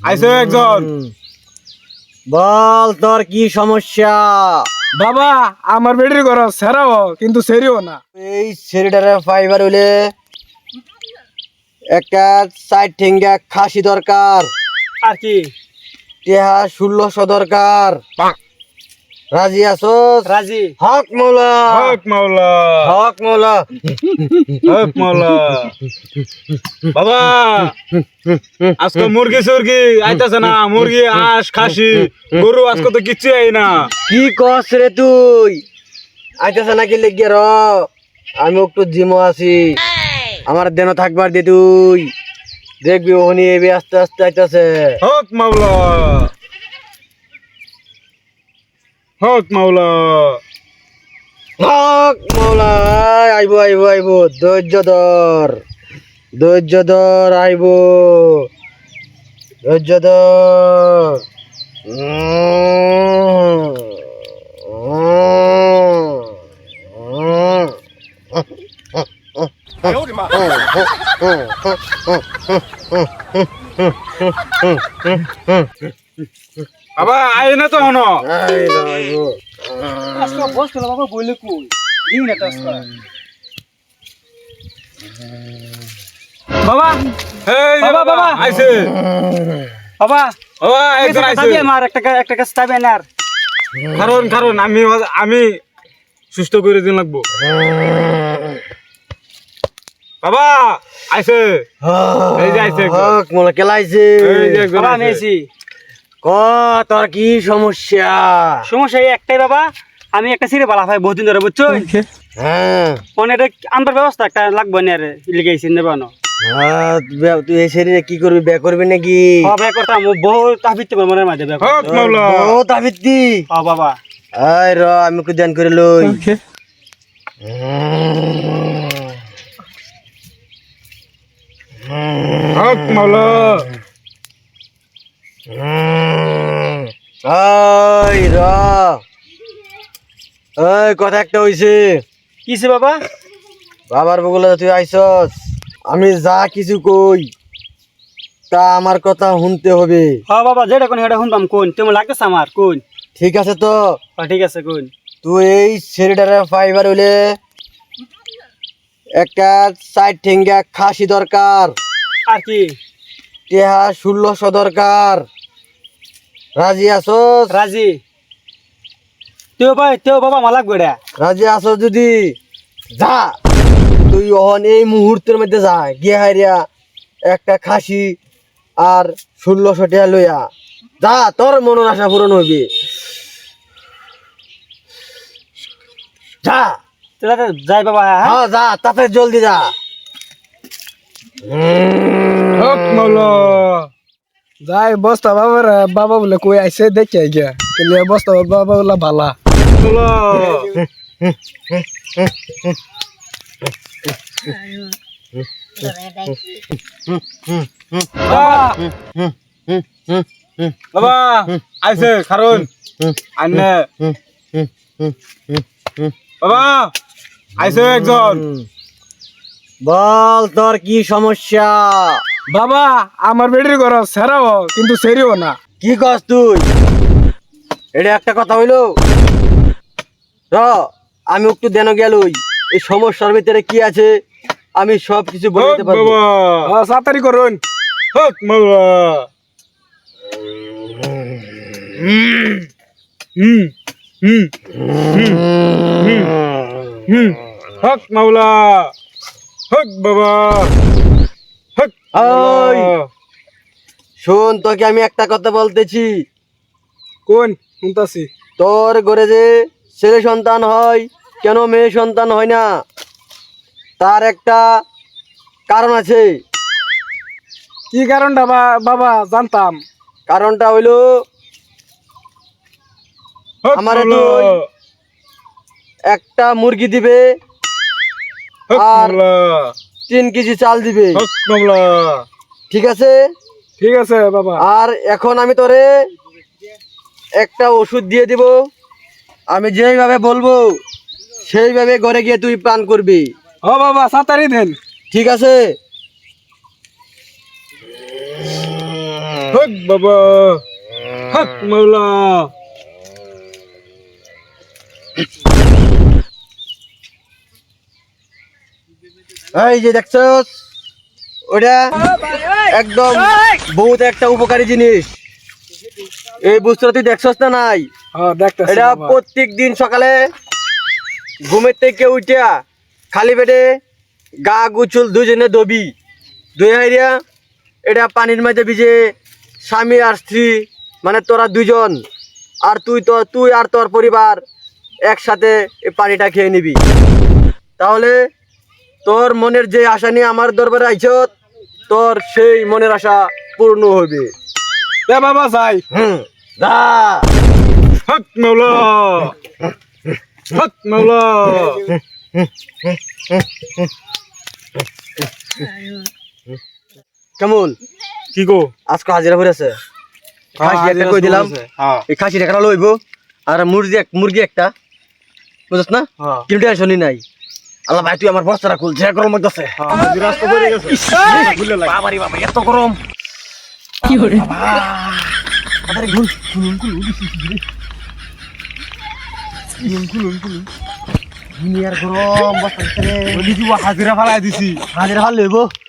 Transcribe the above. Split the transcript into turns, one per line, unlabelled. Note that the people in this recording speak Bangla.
আইছে একজন।
বল তোর কি সমস্যা?
বাবা আমার বেটির ঘর সেরাও কিন্তু সেরিও না।
এই ছেলেটারে ফাইবার হইলে একটা সাইড ঠেঙ্গা খাসি দরকার,
আর কি?
টেহা 1600 দরকার। রাজি আছোস?
রাজি।
হক মৌলা,
হক মাওলা,
হক মৌলা।
হক মাওলা। বাবা আজকে মুরগি সুরগি আইতাছে না, মুরগি হাঁস খাসি গরু আজকে তো কিচ্ছু আই না।
কি কস রে তুই? আইতাছে নাকি লেগে র, আমি একটু জিমো আছি, আমার দেন থাকবার দে, তুই দেখবি ওহনি এবি আস্তে আস্তে আইতাছে।
হক মাওলা, হক মাওলা।
হক মৌলা। আইব আইব আইব, ধৈর্য ধর, ধৈর্য ধর, আইব, ধৈর্য ধর।
বাবা আই না তো হনো।
আইব আইব।
আজকে বস না বাবা বইলে কই দিন না আজকে। বাবা এই বাবা বাবা আইছে। বাবা বাবা একজন আইছে। তাবে আমার একটা কাজ তাবে না। কারণ কারণ আমি সুস্থ করে দিন লাগবো। বাবা আইছে। এই যে আইছে একজন।
হক মৌলা কেলাইছে।
এই যে একজন আইছে।
ক তোর কি সমস্যা?
সমস্যা এই একটাই বাবা, আমি একটা সিরে বালা ভাই বহুদিন ধরে বুঝছো।
হ্যাঁ
মানে এটা আনবার ব্যবস্থা একটা লাগবে না রে, লিখেছি নেবানো।
তুই এই শরীরে কি করবি? বে করবি নাকি?
হবে করতাম বহুত তাবিতে মনের মাঝে ব্যাপার।
হক মাওলা।
ও তাবিতি।
ও বাবা
আয় র, আমি একটু ধ্যান করে লই।
হক মাওলা।
আয় র, এই কথা একটা হইছে।
কিছে বাবা?
বাবার বগলে তুই আইছস, আমি যা কিছু কই তা আমার কথা শুনতে হবে।
হ্যাঁ বাবা, যেটা কোন সেটা শুনতাম। কোন তুমি লাগতেছে আমার? কোন?
ঠিক আছে তো?
ঠিক আছে কোন।
তুই এই ছেলেটারে ফাইবার হইলে একটা সাইড ঠেঙ্গা খাসি দরকার,
আর কি?
টেহা 1600 দরকার। রাজি আছোস?
রাজি। তেও বাবা আমার লাগবে এটা।
রাজি আছোস যদি যা, তুই ওহন এই মুহূর্তের মধ্যে যা, গিয়ে হারিয়া একটা খাসি আর 1600 টাকা লইয়া যা, তোর মনের আশা পূরণ হইবে। যা।
যাই বাবা। হ্যাঁ
হ্যাঁ যা, তাতে জলদি যা।
হক মাওলা। যাই বস্তা বাবার বাবা বলে কই আইছে দেখে গিয়া কেলে বস্তা বাবা বলে ভালা মাওলা। বাবা আইছে কারণ আন্নে বাবা আইছে একজন।
বল তোর কি সমস্যা?
বাবা আমার বেটির ঘর সেরাও কিন্তু সেরিও না।
কি কস তুই? এটা একটা কথা হইলো র, আমি একটু দেন গেলই এই সমস্যার ভিতরে কি আছে আমি সব কিছু বলে দিতে পারবো।
বাবা সাতারি করুন। হক মাওলা। হুম হুম হুম হক মাওলা। হক বাবা। হক
ওই শোন, তোকে আমি একটা কথা বলতেছি।
কোন শুনতাছি?
তোর ঘরে যে ছেলে সন্তান হয়, কেন মেয়ে সন্তান হয় না, তার একটা কারণ আছে।
কি কারণটা বাবা জানতাম।
কারণটা হইলো
হক
আমারে
মাওলা।
তুই একটা মুরগি দিবে
হক
আর
মাওলা।
3 কেজি চাল দিবে,
হক মাওলা।
ঠিক আছে?
ঠিক আছে বাবা।
আর এখন আমি তোরে একটা ওষুধ দিয়ে দিব, আমি যেইভাবে বলবো সেইভাবে ঘরে গিয়ে তুই পান করবি,
ও বাবা সাতারি দেন।
ঠিক আছে?
হক বাবা হক মাওলা
এই যে দেখছস ওটা একদম বহুত একটা উপকারী জিনিস। এই বুঝতে তুই দেখছস না নাই?
হ্যাঁ দেখতেছি
এটা প্রত্যেক দিন সকালে ঘুমের থেকে উঠিয়া খালি পেটে গা গুচুল দুজনে দবি দুই হাইরিয়া এটা পানির মাঝে ভিজে স্বামী আর স্ত্রী মানে তোরা দুজন আর তুই আর তোর পরিবার একসাথে এই পানিটা খেয়ে নিবি, তাহলে তোর মনের যে আশা নিয়ে আমার দরবারে আইছ তোর সেই মনের আশা পূর্ণ হবে।
এ বাবা যাই
যা।
হক মাওলা হক মাওলা
কেমন
কি গো
আজকে হাজিরা করেছে? খাসি একটা কই দিলাম,
হ্যাঁ
এই খাসি টাকা লইব আর মুরগি একটা, বুঝছ না?
হ্যাঁ
কিন্তু টেনশনই নাই। আল্লাহ ভাই তুই আমার বস্তাটা খুল, যে গরম লাগতেছে।
হাজিরা তো পড়ে গেছে ভুলে লাগে
বাবারি বাবা এত গরম।
কি করে
আরে খুল খুলুন দুনিয়ার গরম বস্তা ভিতরে
হাজিরা ফালাই দিছি
হাজিরা ভাল লইব।